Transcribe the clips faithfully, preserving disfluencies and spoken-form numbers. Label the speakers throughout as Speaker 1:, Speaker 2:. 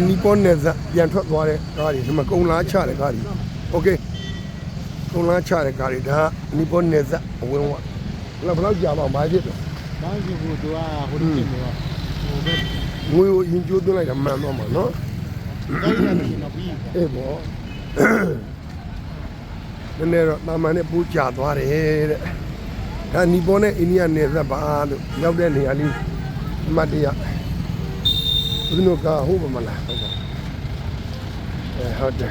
Speaker 1: နီပေါ်နယ်ဇက်ပြန်ထွက်သွားတဲ့ကားတွေဒီမှာကုံလားချတဲ့ကားတွေโอเคကုံလားချတဲ့ကားတွေဒါနီပေါ်နယ်ဇက်အဝင်ဝဘယ်လောက်ကြာမှမာဖြစ်တော့
Speaker 2: ဘာဖြစ်ဘူးသူကဟိုဒီနေတော့ဟိုဘက်
Speaker 1: ငွေကိုရင်ကျိုးသွင်းလိုက်တာမှန်တော့မှာနော်
Speaker 2: ကိုင်းရတယ်နော်ပြီး
Speaker 1: အေးပေါ့နည်းနည်းတော့တာမန်နဲ့ပူးကြသွားတယ်တဲ့ဒါနီပေါ်နဲ့အိန္ဒိယနယ်စပ်ပါလို့ရောက်တဲ့နေရာလေးအမှတ်တရဘယ်လိုကဟုတ်ပါမလားဟုတ်ပါအဲဟုတ်တယ်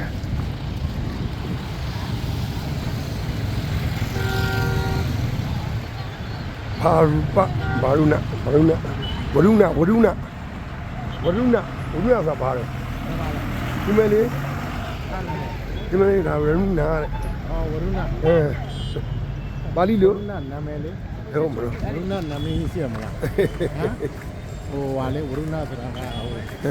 Speaker 1: ဘာရူပဘာရုဏဘာရုဏဝရုဏဝရုဏဝရုဏဝရုဏဆိုတာဘာလဲဒီမဲ့လေးဒီမဲ့လေးဒါဝရုဏတဲ့
Speaker 2: အော်ဝရုဏ
Speaker 1: အဲပါဠိလို
Speaker 2: ဝရုဏနာမည်လေး
Speaker 1: ဟုတ်မလို့
Speaker 2: ဝရုဏနာမည်ရှိရမလားဟမ်ဟိုဟာလေဝရုဏဆိုတာကဟို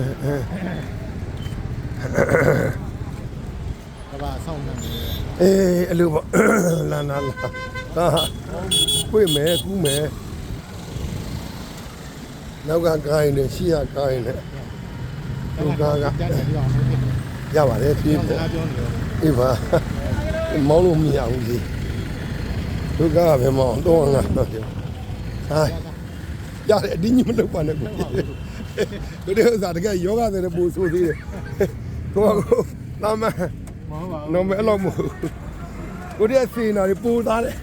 Speaker 2: ကဘာဆောင်နေတယ်
Speaker 1: အေးအဲ့လိုပေါ့လာလာလာဟာကိုယ်မဲကူးမဲနောက်ကကိုင်းနေရှေ့ကကိုင်းနေသူကားကရပါတယ်ပြေးပေါ့အေးပါမောင်းလို့မရဘူးလေသူကားကပဲမောင်းတော့ငါတော့ဟာရတယ်အတင်းကြီးမလုပ်ပါနဲ့ကိုတို့တဲ့ဥစားတကယ်ယောဂတဲ့ပူဆိုသေးတယ်ကိုကလာမနော်မဲအလောက်မဟုတ်ကိုတဲ့စီနာပူသားတယ်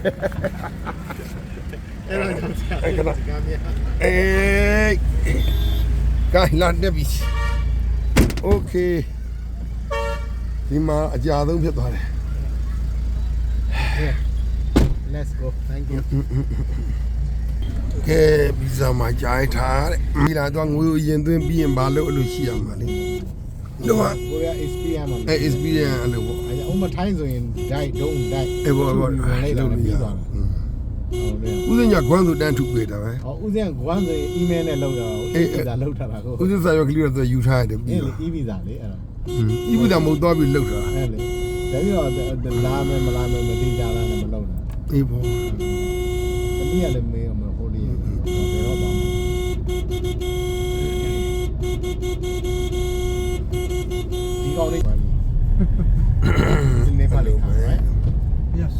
Speaker 2: အဲ့ဒါကြောင့်အဲ့ကကမ်းမြ
Speaker 1: အေးကိုင်းလာနေပြီโอเคဒီမှာအကြာဆုံးဖြစ်သွားတယ်
Speaker 2: let's go thank you
Speaker 1: ကဲဗီဇာမှာကြာထားတဲ့မိလာတော့ငွေရင်သွင်းပြီးရင်ဘာလို့အလိုရှိရမှာလဲတော့
Speaker 2: ကိုရ experience မှာ
Speaker 1: အဲ experience အလိုပေါ့
Speaker 2: အဲအမထိုင်းဆိုရင် die don't die
Speaker 1: အေးပေါ့ပေါ့
Speaker 2: လိုက်တော့ပြီးသွားတာ
Speaker 1: ဦးစင်ညာကွမ်းဆိုတန်းထုပေးတာပဲ
Speaker 2: ဟောဦးစင်ကွမ်းဆိုရင် email နဲ့လောက်တာကို e-visa လောက်ထားတာကို
Speaker 1: ဦးစင်စာရွက်ကလေးတော့ယူထားရတယ်
Speaker 2: ပြီးတော့ e-visa လေအဲ့ဒါ
Speaker 1: e-visa မဟုတ်တော့ပြီးလောက်တာ
Speaker 2: အဲ့လေဒါပြီးတော့လာမယ်မလာမယ်မသိကြတာနဲ့မလောက်တာ
Speaker 1: အေးပေါ့
Speaker 2: တမီးကလည်းမေးအောင်မဟိုလေးဘယ်တော့ပါမလဲဒီကောင်းလေးနေပါလိမ့်မယ်
Speaker 1: yes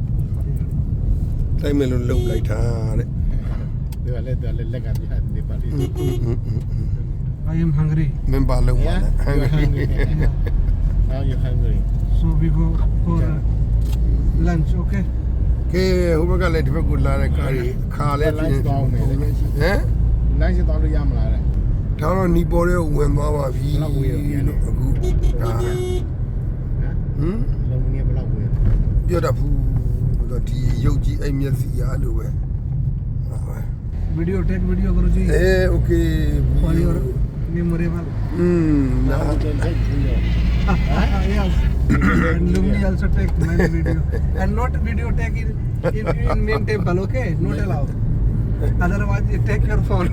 Speaker 1: တိုင်းမလို့လုံလိုက်တာတဲ့
Speaker 2: ဒီကလည်းဒီလည်းလက်ကပြတ်နေပါလိမ့်
Speaker 3: I am hungry
Speaker 1: မင်းပါလုံပါနဲ့ hungry
Speaker 2: now you hungry
Speaker 3: so we go for lunch okay
Speaker 1: ကဲဟိုဘက်ကလည်းဒီဘက်ကိုလာတဲ့ကားကြီးခါလဲပြင်းဟမ်
Speaker 2: နိုင်စတောင်းလို့ရမလားတဲ့
Speaker 1: ဒါတော့နီပေါ်တဲ့ဝင်သွားပါပြီ
Speaker 2: ဘယ်လောက်ဝေးရလဲ
Speaker 1: အခုဒါဟမ်
Speaker 2: လုံးမင်းဘယ်လောက်ဝေး
Speaker 1: ပြောတတ်ဘူးတော့ဒီရုပ်ကြီးအဲ့မျက်စိရလို့ပဲ
Speaker 3: video take video करो जी
Speaker 1: အေး okay
Speaker 3: for your memorable
Speaker 1: อืม
Speaker 2: now you can take video
Speaker 3: yes and Lumi also take many video and not video take in in, in main temple okay not allowed otherwise you take your phone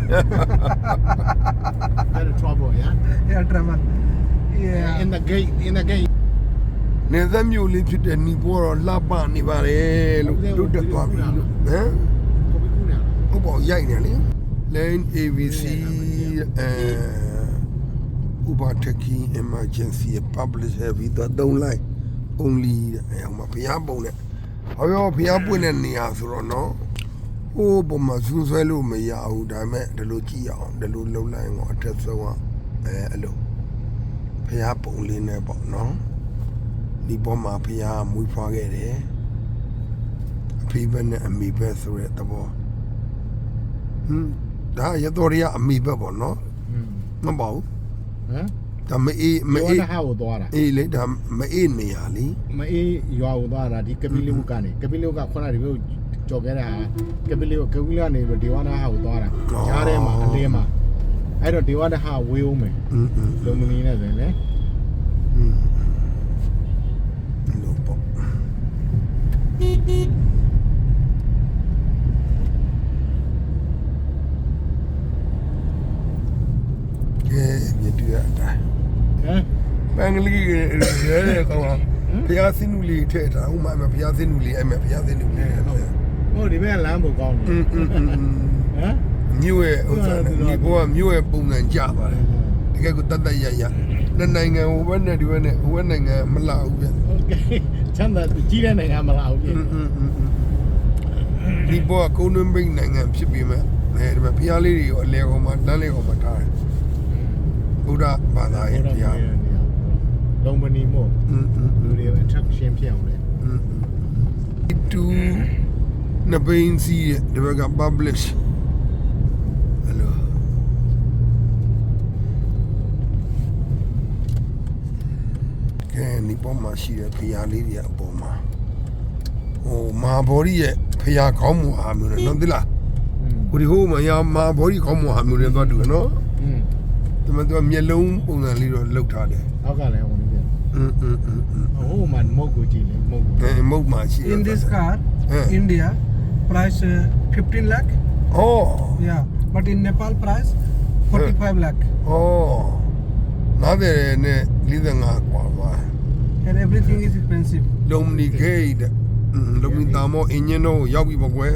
Speaker 2: very trouble yeah
Speaker 3: yeah trouble yeah
Speaker 2: in the gate in the gate
Speaker 1: နေသက်မျိုးလေးဖြစ်တဲ့နီပေါ်တော့လှပနေပါလေလို့တို့တက်သွားပြီလို့ဟမ်ဟုတ်ပါရိုက်နေလေ Lane အေ ဗီ စီ အဲဥပထကီ emergency publish heavy တော့၃ line only အဲဟိုမှာဘုရားပုံနဲ့ဟောရောဘုရားပွင့်တဲ့နေရာဆိုတော့နော်ဟိုပုံမှာဇူးဆွဲလို့မရဘူးဒါပေမဲ့ဒီလိုကြည့်အောင်ဒီလိုလှုပ်လိုက်အောင်အထက်ဆုံးကအဲအဲ့လိုဘုရားပုံလေးနဲ့ပေါ့နော်ဒီပေါ်မှာဖျားမွေးဖွားခဲ့တယ်အဖေဘက်နဲ့အမေဘက်ဆိုတဲ့သဘောဟမ်ဒါရတော်ရအမေဘက်ပေါ့နော်မပေါ့ဟမ်ဒါမအေးမအေး
Speaker 2: ဟာကိုသွားတာ
Speaker 1: အေးလေဒါမအေးနေရလी
Speaker 2: မအေးရွာကိုသွားတာဒီကပီလီမကနေကပီလီကခုနကဒီလိုကြော်ခဲ့တာကပီလီကကပီလီကနေဒီဝါနာဟာကိုသွားတာကြားထဲမှာအလင်းမှာအဲ့တော့ဒီဝါနာဟာဝေးအောင်မယ်လုံမင်းနဲ့ဆိုရင်လေ
Speaker 1: မြတူရတာဟမ်ပန်ကလေးရဲရဲကောင်ဘုရားစင်းနူလေးထည့်ထားဥမာမဘုရားစင်းနူလေးအဲ့မဲ့ဘုရားစင်းနူလေး
Speaker 2: ဟုတ်ဒီဘက်ကလမ်းပုံကောင်းတယ်ဟမ်
Speaker 1: မြို့ရဲ့ဥစ္စာဒီဘောကမြို့ရဲ့ပုံစံကြပါတယ်တကယ်ကိုတတ်တတ်ရရနှစ်နိုင်ငံဟိုဘက်နဲ့ဒီဘက်နဲ့ဟိုဘက်နိုင်ငံမလာဘူးဗျ
Speaker 2: โอเคချမ်းသာကြီးတဲ့နိုင်ငံမလားဟုတ်ပြီ
Speaker 1: ဒီဘောကကုန်းတွင်းပိတ်နိုင်ငံဖြစ်ပြီးမှအဲဒီမှာဖျားလေးတွေရောအလဲကောင်မှာတန်းလေးကောင်မှာထားတယ်ဘုရားဘာသာရေးတရား
Speaker 2: လုံမနီမို့
Speaker 1: อืม
Speaker 2: လူတွေ attraction ဖြစ်အောင်လေ
Speaker 1: อืมတူနဘိန်းစီဒီဘက်က publish ဟယ်လိုကဲဒီပေါ်မှာရှိတဲ့ဖျားလေးတွေအပေါ်မှာဟိုမာဘော်ရီရဲ့ဖျားကောင်းမှုအားမျိုးနဲ့နော်သိလား
Speaker 2: อืม
Speaker 1: ဟိုဒီဟိုမှာရမာဘော်ရီကောင်းမှုအားမျိုးနဲ့သွားတူရနော်
Speaker 2: อืม
Speaker 1: ဒီမှာသူကမျက်လုံးပုံစံလေးတော့လောက်ထားတယ်
Speaker 2: အောက်ကလည်းဟိုနေပြန်
Speaker 1: อืมอืมอืมอืม
Speaker 2: ဟိုမှာမုတ်ကိုကြည့်လေမုတ်ကို
Speaker 1: အဲမုတ်မှာရှိတယ်
Speaker 3: In this car,
Speaker 1: Yeah.
Speaker 3: India, price uh, fifteen lakh.
Speaker 1: ဩ
Speaker 3: Yeah, but in Nepal, price forty-five lakh.
Speaker 1: ဩနားတယ်နဲ့၄၅กว่าပါ
Speaker 3: And everything is expensive.
Speaker 1: လုံမနီဂိတ်อืมလုံမနီတာမောအင်ဂျင်တော့ရောက်ပြီပေါ့ကွယ်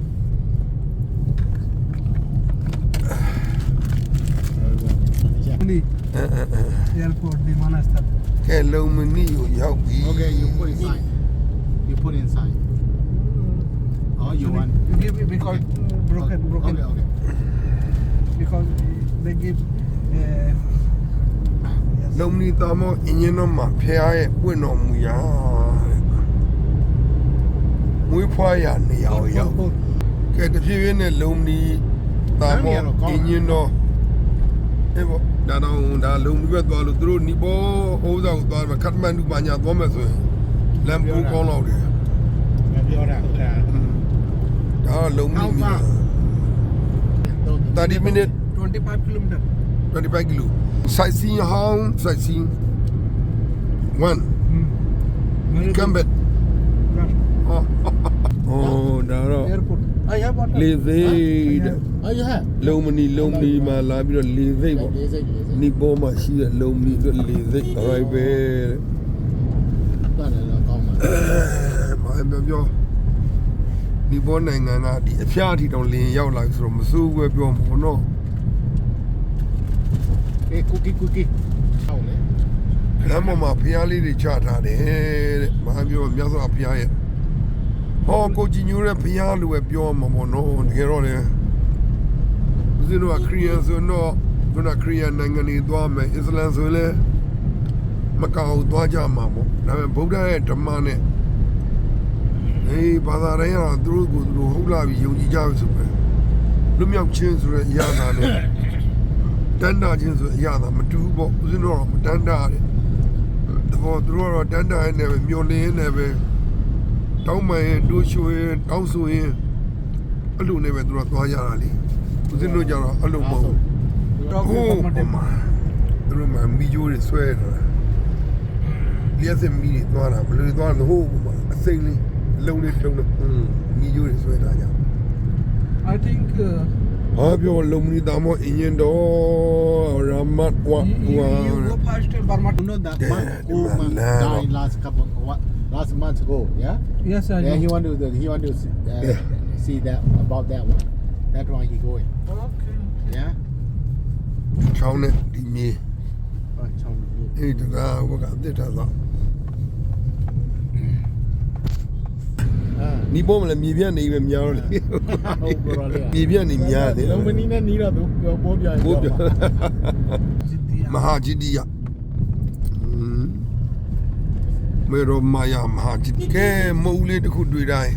Speaker 3: Only
Speaker 1: အဲအဲအဲ
Speaker 3: airport, the Manastar.
Speaker 1: ကဲလုံမနီကိုရောက်ပြီ
Speaker 2: Okay, you put inside. You put inside. Oh, you want?
Speaker 3: You give it because broken, broken.
Speaker 2: Okay, okay.
Speaker 3: Because they give. Uh,
Speaker 1: လုံမနီတာမောအင်ဂျင်တော့မှာဖျားရဲ့ပွင့်တော်မူရာတဲ့မွေးဖွားရနေရာကိုရောက်
Speaker 3: both, both.
Speaker 1: ကဲတဖြည်းဖြည်းနဲ့လုံမနီတာမောအင်ဂျင်တော့အေးပေါ့ဒါတော့ဒါလုံမီပဲသွားလို့သူတို့နီပေါ်ဟိုးစားကိုသွားမှာခတ်မန်ဒူပါညာသွားမယ်ဆိုရင်လမ်းပိုးကောင်းတော့တယ်
Speaker 2: မပြောတာအဲ့ဒါ
Speaker 1: ဒါကလုံမီမီthirty minutes
Speaker 3: twenty-five kilometer.
Speaker 1: twenty-five kilo sightseeing how sightseeing one
Speaker 3: Hmm. Very
Speaker 1: come back
Speaker 3: good. Yeah.
Speaker 1: ဟောဒါတော့
Speaker 3: Airport. I have water.
Speaker 1: လေသိ
Speaker 3: I
Speaker 1: တဲ့
Speaker 3: have.
Speaker 2: Oh, you have?
Speaker 1: လုံမနီလုံမီမှာလာပြီးတော့လေသိပေါ့
Speaker 2: Is it? Is it?
Speaker 1: နီပေါ်မှာရှိတဲ့လုံမီဆိုလေသိ right ပဲတဲ့
Speaker 2: တော့လည်းကောင်းပါ
Speaker 1: ဘာပြောပြောဒီဘောနိုင်ငံကဒီအဖျားအထီတောင်လင်းရောက်လာဆိုတော့မစိုးဘူးပဲပြောမှာပေါ့နော်
Speaker 2: အေး cookie cookie ဟောင်းလေ
Speaker 1: လမ်းပေါ်မှာဖျားလေးတွေချထားတယ်တဲ့ဘာပြောမြတ်စွာဘုရားရဲ့ဟောကိုကြည်ညိုတဲ့ဘုရားလိုပဲပြောမှာပေါ့နော်တကယ်တော့လေဦးဇင်းတို့ကခရီးယန်ဆိုတော့သူကခရီးယန်နိုင်ငံတွေသွားမယ်အစ္စလမ်ဆိုရင်လည်းမကောက်သွားကြမှာပေါ့ဒါပေမဲ့ဗုဒ္ဓရဲ့ဓမ္မနဲ့အေးဘာသာတိုင်းကတော့သူတို့ကိုသူတို့ဟုတ်လာပြီးယုံကြည်ကြပြီဆိုပဲလွတ်မြောက်ခြင်းဆိုတဲ့အရာသာနဲ့တန်တာခြင်းဆိုတဲ့အရာသာမတူဘူးပေါ့ဦးဇင်းတို့ကတော့မတန်တာတဲ့တဘောသူတို့ကတော့တန်တာနဲ့ပဲမျောလင်းနေပဲတောင်းမှန်ရင်တိုးချိုးရင်တောင်းဆိုရင်အဲ့လိုနဲ့ပဲသူတို့သွားကြတာလေဦးဇင်းတို့ကြတော့အဲ့လိုမဟုတ်ဘူး
Speaker 3: Talk
Speaker 1: ဟိုး
Speaker 3: about
Speaker 1: ဟိုမှာသူတို့မှမီဂျိုးတွေဆွဲတာလျှက်စင်မီတွေသွားတာဘယ်လိုတွေသွားလဲဟိုးဟိုမှာအစိမ့်လေးလုံးလေးလုံးလေးอืมမီဂျိုးတွေဆွဲတာကြ
Speaker 3: I think uh,
Speaker 1: ဟာပြောလုံမီတာမောအင်ဂျင်တော်ရမတ်ဝါ
Speaker 3: you,
Speaker 1: ဝါ
Speaker 3: you go first to Burma.
Speaker 2: You know that
Speaker 1: Yeah,
Speaker 2: man who
Speaker 1: man,
Speaker 2: man
Speaker 1: man.
Speaker 2: died last couple what last month ago, yeah?
Speaker 3: Yes, I
Speaker 2: Yeah,
Speaker 3: know.
Speaker 2: he want to he want to see, uh,
Speaker 1: Yeah.
Speaker 2: see that about that one. That one he going.
Speaker 3: Okay.
Speaker 2: Yeah?
Speaker 1: ချောင်းနဲ့ဒီမြေ
Speaker 2: Oh, Chong Yu.
Speaker 1: အဲ့တကားဘကအစ်တာတော့
Speaker 2: Ah.
Speaker 1: နီးပေါ်မလဲမြေပြန့်နေပဲများတော့လေ
Speaker 2: ဟုတ်ပါတော့လေ
Speaker 1: မြေပြန့်နေများတယ်
Speaker 2: လုံးမနီနဲ့နီးတော့သူပိုးပြရင်
Speaker 1: ဘိုးပြော
Speaker 3: Jiddiya.
Speaker 1: မဟာဂျီဒီယอืมမေရောမာယာမဟာဂျီကဲမုံလေးတစ်ခုတွေ့တိုင်း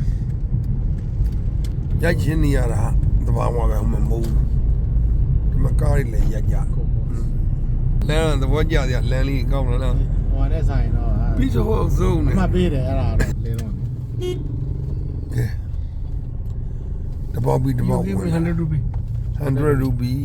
Speaker 1: ရိုက်ချင်းနေရတာတဘာဝပဲဟိုမှာမုံဒီမှာကားလေးလည်းရိုက်ကြလမ်းသဘောကျစရာလမ်းလေးကောင်းလားနော်
Speaker 2: ဟိုနဲ့ဆိုင်တော့
Speaker 1: ပြီးတော့စုံနေ
Speaker 2: အမှတ်ပေးတယ်အဲ့ဒါတော့လေတော့
Speaker 1: ကဲတဘောပြီးတဘော
Speaker 3: You give me hundred rupee.
Speaker 1: hundred rupee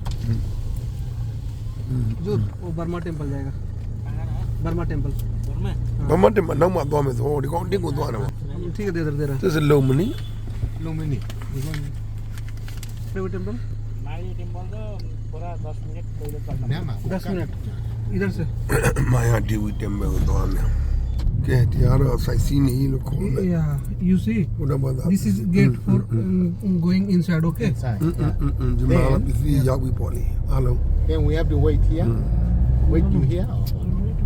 Speaker 3: जो वो Burma temple जाएगा Burma temple
Speaker 1: ဘာမှတမနောက်မှသွားမယ်ဆိုဒီကောင်တင်းကိုသွားတယ်ပေါ့
Speaker 3: ठीक है दे दे दे रहा
Speaker 1: သစ်စလုံးမနီ
Speaker 2: Lumini.
Speaker 3: Private temple
Speaker 4: my temple तो पूरा दस मिनट पहले करना
Speaker 2: Nama.
Speaker 3: दस मिनट इधर से
Speaker 1: မာယာဒီဝီတမ်ဘယ်ကိုသွားမယ်ကဲတရားတော့စိုက်စီးနေလို့ခေါ်တယ်
Speaker 3: yeah you see
Speaker 1: ဘုရားဘာသာ
Speaker 3: this is gate for um, going inside okay
Speaker 2: Inside.
Speaker 1: อืม
Speaker 2: Yeah.
Speaker 1: อืมอืมဒီမှာပစ္စည်းရောက်ပြီပေါ့လေအားလုံး
Speaker 2: Then we have to wait here. wait you here or
Speaker 3: Wait,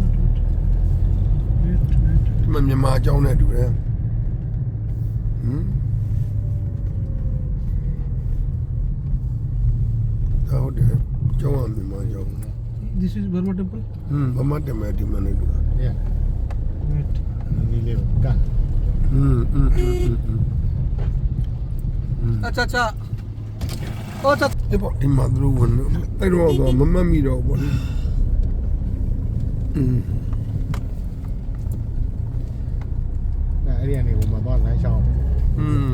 Speaker 3: wait, wait. Wait, wait.
Speaker 1: ဒီမှာမြန်မာအကြောင်းနဲ့တူတယ်ဟမ်ဒါဟုတ်တယ်ကျောင်းကမြန်မာကျောင်း
Speaker 3: This is Burma temple.
Speaker 1: ဟမ်ဘာမှတက်မယ်ဒီမှာနေတူတာ
Speaker 2: yeah
Speaker 3: Wait.
Speaker 2: ni le ka
Speaker 1: ဟမ်ဟမ်ဟမ်ဟမ်ဟမ်
Speaker 3: Acha, acha. Oh, acha.
Speaker 1: ဒီပေါ့ဒီမှာသူတို့ဝင်အဲ့တော့တော့မမတ်မိတော့ဘောလေอืม
Speaker 2: အဲ့ဒီကနေဟိုမှာတော့လမ်းလျှောက်
Speaker 1: อืม